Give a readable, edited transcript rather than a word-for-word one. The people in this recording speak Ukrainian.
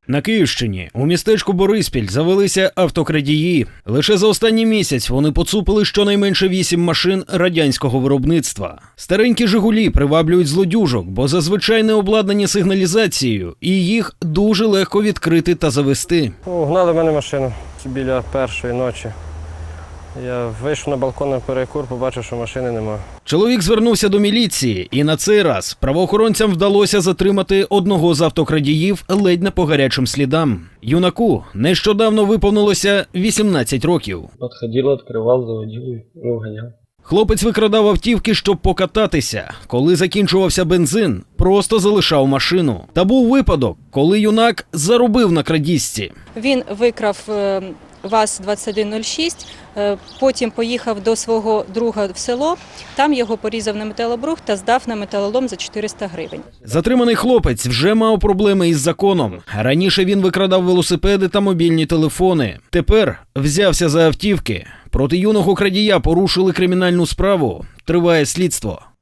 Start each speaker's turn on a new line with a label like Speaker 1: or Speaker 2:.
Speaker 1: На Київщині у містечку Бориспіль завелися автокрадії. Лише за останній місяць вони поцупили щонайменше 8 машин радянського виробництва. Старенькі «Жигулі» приваблюють злодюжок, бо зазвичай не обладнані сигналізацією, і їх дуже легко відкрити та завести.
Speaker 2: Угнали в мене машину біля першої ночі. Я вийшов на балкон на перекур, побачив, що машини немає.
Speaker 1: Чоловік звернувся до міліції, і на цей раз правоохоронцям вдалося затримати одного з автокрадіїв ледь не по гарячим слідам. Юнаку нещодавно виповнилося 18 років.
Speaker 3: Підходив, відкривав, заводив і вганяв.
Speaker 1: Хлопець викрадав автівки, щоб покататися. Коли закінчувався бензин, просто залишав машину. Та був випадок, коли юнак заробив на крадіжці.
Speaker 4: Він викрав ВАЗ-2106, потім поїхав до свого друга в село, там його порізав на металобрухт та здав на металолом за 400 гривень.
Speaker 1: Затриманий хлопець вже мав проблеми із законом. Раніше він викрадав велосипеди та мобільні телефони. Тепер взявся за автівки. Проти юного крадія порушили кримінальну справу. Триває слідство.